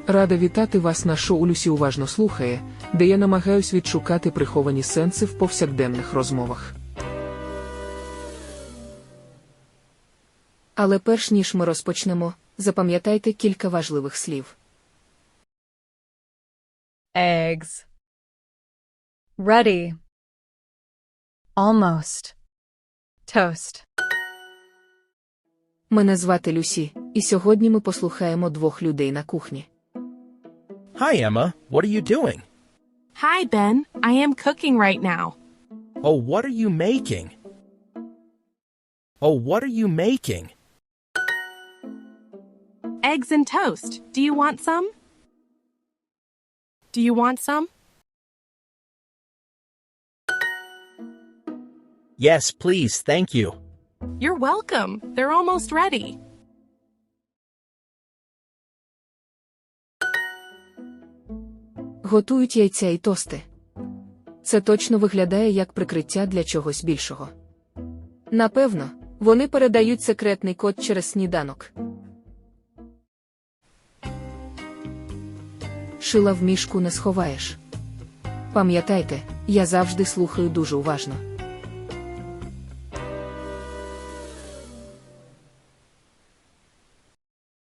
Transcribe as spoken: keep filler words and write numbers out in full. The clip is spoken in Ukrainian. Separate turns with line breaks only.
Рада вітати вас на шоу «Люсі уважно слухає», де я намагаюсь відшукати приховані сенси в повсякденних розмовах.
Але перш ніж ми розпочнемо, запам'ятайте кілька важливих слів.
Eggs. Ready. Almost. Toast.
Мене звати Люсі, і сьогодні ми послухаємо двох людей на кухні.
Hi, Emma. What are you doing?
Hi, Ben. I am cooking right now.
Oh, what are you making? Oh, what are you making?
Eggs and toast. Do you want some? Do you want some?
Yes, please, thank you.
You're welcome. They're almost ready.
Готують яйця і тости. Це точно виглядає як прикриття для чогось більшого. Напевно, вони передають секретний код через сніданок. Шила в мішку не сховаєш. Пам'ятайте, я завжди слухаю дуже уважно.